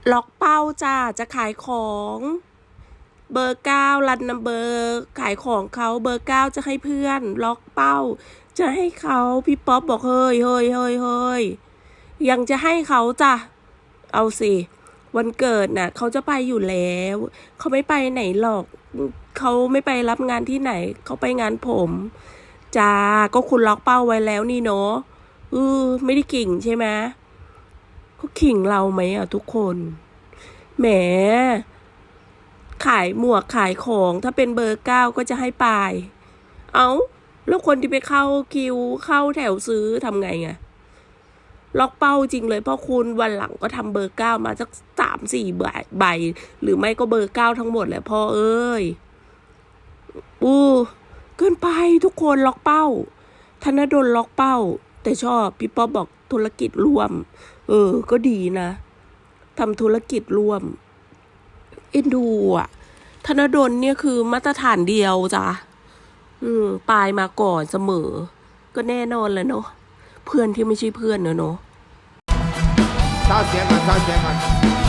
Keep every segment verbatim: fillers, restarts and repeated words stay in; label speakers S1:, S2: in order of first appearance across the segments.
S1: ล็อกเป้าจ้าจะขายของเบอร์เก้ารันนัมเบอร์ขายของเขาเบอร์เก้าจะให้เพื่อนล็อกเป้าจะให้เขาพี่ป๊อปบอกเฮ้ยเฮ้ยเฮ้ยเฮ้ยยังจะให้เขาจ้ะเอาสิวันเกิดน่ะเขาจะไปอยู่แล้วเขาไม่ไปไหนหรอกเขาไม่ไปรับงานที่ไหนเขาไปงานผมจ้าก็คุณล็อกเป้าไว้แล้วนี่เนาะเออไม่ได้กิ่งใช่ไหมเขาขิงเราไหมอ่ะทุกคนแหมขายหมวกขายของถ้าเป็นเบอร์เก้าก็จะให้ปลายเอาแล้วคนที่ไปเข้าคิวเข้าแถวซื้อทำไงไงล็อกเป้าจริงเลยเพราะคุณวันหลังก็ทำเบอร์เก้ามาสักสามสี่ใบใบหรือไม่ก็เบอร์เก้าทั้งหมดแหละพ่อเอ้ยอู้เกินไปทุกคนล็อกเป้าธนดลล็อกเป้าแต่ชอบพี่ป๊อบบอกธุรกิจร่วมเออก็ดีนะทำธุรกิจร่วมเอ็นดูอ่ะธนดลเนี่ยคือมาตรฐานเดียวจ้ะอืมปลายมาก่อนเสมอก็แน่นอนแล้วเนาะเพื่อนที่ไม่ใช่เพื่อนเนอะเนาะ
S2: เศร้าเสียงก่อนเศร้าเสียงก่อน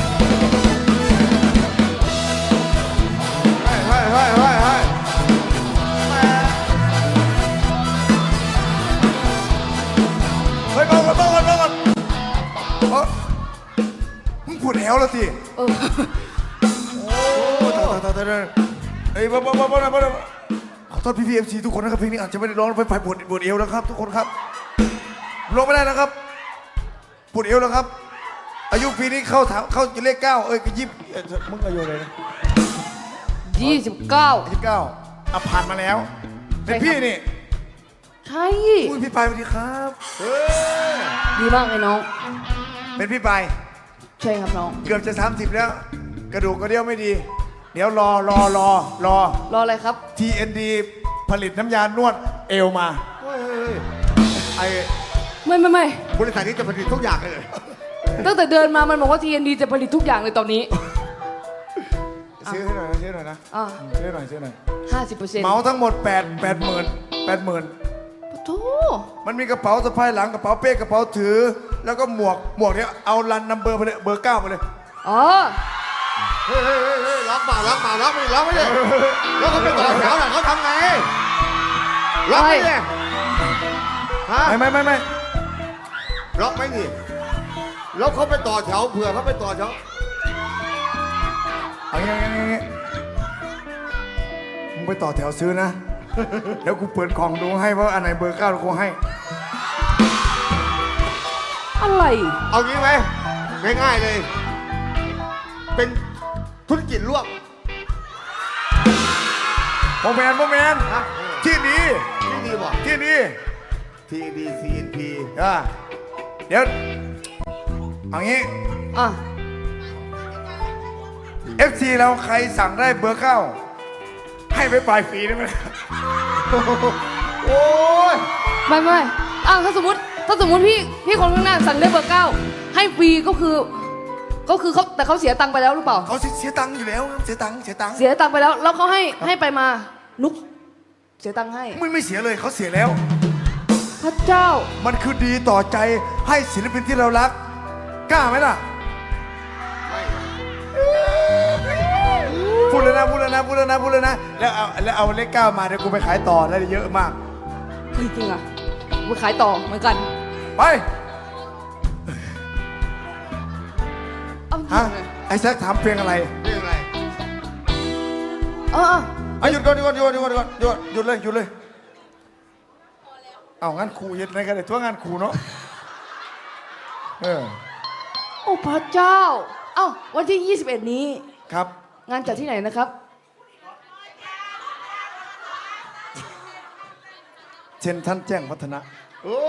S2: เฮ้ยเฮ้ยเฮ้ยเฮ้ยเฮ้ยเฮ้ยบอกก่อนบอกก่อนบอกก่อนเออมึงปวดแอวแล้วสิโอ้ตายตายตายตายเฮ้ยบอกบอกบอกบอกบอกขอโทษพี่พีเอ็มซีทุกคนนะครับเพลงนี้อาจจะไม่ได้ร้องไปฝ่ายปวดปวดเอวนะครับทุกคนครับร้องไม่ได้นะครับปวดเอวแล้วครับอายุปีนี้เข้าถามเข้าเลขเก้าเอ้ยก็ยิบมึงอายุอะไรนะ
S3: ยี่สิบเก้า
S2: ยี่สิบเก้าอ่ะผ่านมาแล้วเป็นพี่นี่
S3: ใช่
S2: อุ้ยพี่ปายสวัสดีครับ
S3: ดีมากเลยน้อง
S2: เป็นพี่ปาย
S3: ใช่ครับน้อง
S2: เกือบจะสามสิบแล้วกระดูกกระเดี่ยวไม่ดีเดี๋ยวรอรอรอรอ
S3: รออะไรครับ
S2: ที เอ็น ดี ผลิตน้ำยานวดเอวมาไอ
S3: ไม่ไม่ไม่
S2: บริษัทนี้จะผลิตทุกอย่างเลย
S3: ตั้งแต่เดินมามันบอกว่า ที เอ็น ดี จะผลิตทุกอย่างเลยตอนนี้
S2: ซื้อให้หน่อยนะซื้อหน่อยนะซื้อหน่อยซื้อหน่อย
S3: ห้าสิบเปอร์เซ็นต์
S2: เมาทั้งหมดแปดแปดหมื่นแปดหมื่น
S3: โธ่
S2: มันมีกระเป๋าสะพายหลังกระเป๋าเป้กระเป๋าถือแล้วก็หมวกหมวกเนี้ยเอารันนัมเบอร์ไปเลยเบอร์เก้าไปเลย
S3: อ๋อ
S2: เฮ้ยเฮ้ยเฮ้ยล็อกเปล่าล็อกเปล่าล็อกไม่ล็อกไม่เลยล็อกเขาไปต่อแถวน่ะเขาทำไงล็อกไม่เลยฮะไม่ไม่ไม่ไม่ล็อกไม่นี่ล็อกเขาไปต่อแถวเผื่อเขาไปต่อแถวเอาอย่างงี้อย่างงี้มึงไปต่อแถวซื้อนะแล้วกูเปิดกล่องดูให้ว่าอันไหนเบอร์เก้ากูให้
S3: อะไร
S2: เอางี้ไหมง่ายๆเลยเป็นธุรกิจร่วมโมเมนต์โมเมนต์ที่ดีที่ดีบอกที่ดีทีดีซีเอ็นพีอ่ะเดี๋ยวเอางี้
S3: อ่ะ
S2: เอฟซีเราใครสั่งได้เบอร์เก้าให้ไปปลายฟรีได้ไหมโอ้ย
S3: ไม่ไม่อ้าวถ้าสมมติถ้าสมมติพี่พี่คนข้างหน้าสั่งได้เบอร์เก้าให้ฟรีก็คือก็คือเขาแต่เขาเสียตังค์ไปแล้วหรือเปล่า
S2: เขาเสียตังค์อยู่แล้วเสียตังค์เสียตังค์
S3: เสียตังค์ไปแล้วแล้วเขาให้ให้ไปมานุกเสียตังค์ให้
S2: ไม่ไม่เสียเลยเขาเสียแล้ว
S3: พระเจ้า
S2: มันคือดีต่อใจให้ศิลปินที่เรารักกล้าไหมล่ะพูดเลยนะพูดเลยนะพูดเลยนะพูดเลยนะแล้วเอาแล้วเอาเลขเก้ามาเดี๋ยวกูไปขายต่อได้เยอะมาก
S3: จริงๆอ่ะไปขายต่อเหมือนกัน
S2: ไปฮะไอ้แซคถามเพลงอะไรเพลงอะไร
S3: เออ
S2: เอาหยุดก่อนหยุดก่อนหยุดก่อนหยุดก่อนหยุดหยุดเลยหยุดเลยเอางั้นครูยึดในกันเลยทั่วงานครูเนาะเออ
S3: โอ้พระเจ้าเอ้าวันที่ยี่สิบเอ็ดนี้
S2: ครับ
S3: งานจัดที่ไหนนะครับ
S2: เช่นท่านแจ้งพัฒนะโอ้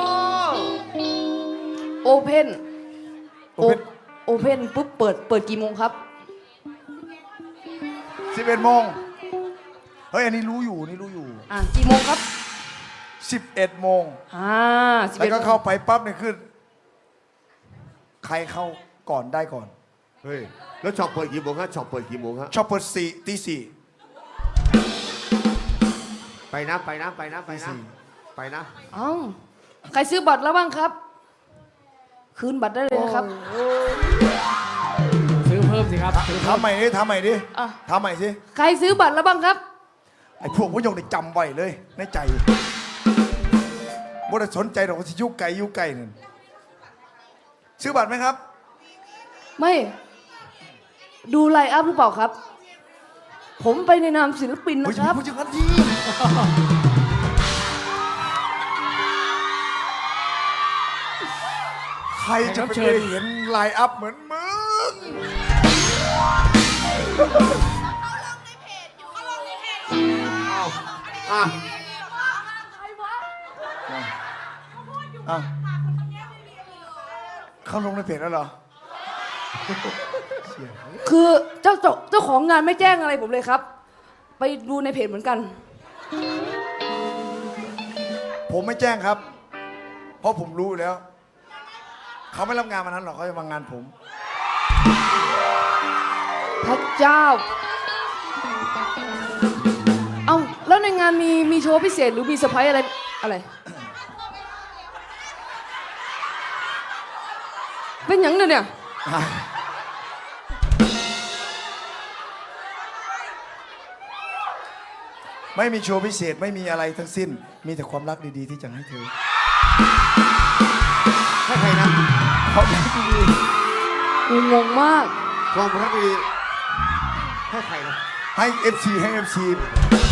S3: โอเพนโอเพนโอเพนปุ๊บเปิดเปิดกี่โมงครับ
S2: สิบเอ็ดโมงเฮ้ยอันนี้รู้อยู่นี่รู้อยู่
S3: อ่ะกี่โมงครับ
S2: สิบเอ็ดโมง
S3: อ่า
S2: แล้วก็เข้าไปปั๊บเนี่ยขึ้นใครเข้าก่อนได้ก่อน
S4: เฮ้ยแล้วช็อปเปิดกี่โมงฮะช็อปเปิดกี่โมงฮะ
S2: ช็อปเปิดสี่ตีสี่
S4: ไปนะไปนะไปนะไปนะไปนะ
S3: อ้าวใครซื้อบัตรแล้วบ้างครับคืนบัตรได้เลยนะครับ
S2: ทำใหม่ดิทำใหม่ดิ
S3: อ่ะ
S2: ทำใหม่สิ
S3: ใครซื้อบัตรแล้วบ้างครับ
S2: ไอ้พวกพยงได้จำไว้เลยในใจบ่ได้สนใจหรอกว่าสิยุไก่ยุไก่นั่นซื้อบัตรไหมครับ
S3: ไม่ ดูไลน์อัพหรือเปล่าครับ ผมไปในนามศิลปิน
S2: เฮ้ย
S3: นะครับ
S2: พูดอย่างนั้นทีใครจะไปเคยเห็นไลน์อัพเหมือนมึง
S4: อ่ะ
S2: อ่ะเขาลงในเพจแล้วเหรอ
S3: คือเจ้าเจ้าเจ้าของงานไม่แจ้งอะไรผมเลยครับ ไปดูในเพจเหมือนกัน
S2: ผมไม่แจ้งครับ เพราะผมรู้อยู่แล้ว เขาไม่รับงานมานั้นหรอกเขาจะมางานผม
S3: พระเจ้า เอ้าแล้วในงานมีมีโชว์พิเศษหรือมีเซอร์ไพรส์อะไรอะไร เป็นหยังเนี่ย
S2: ไม่มีโชว์พิเศษไม่มีอะไรทั้งสิ้น มีแต่ความรักดีๆที่จะให้เธอ
S4: ให้ใครนะ
S2: ความรักดี
S3: งงมาก
S4: ความรักดีให้ใครนะ
S2: ๆให้ เอฟ ซี ให้ เอฟ ซี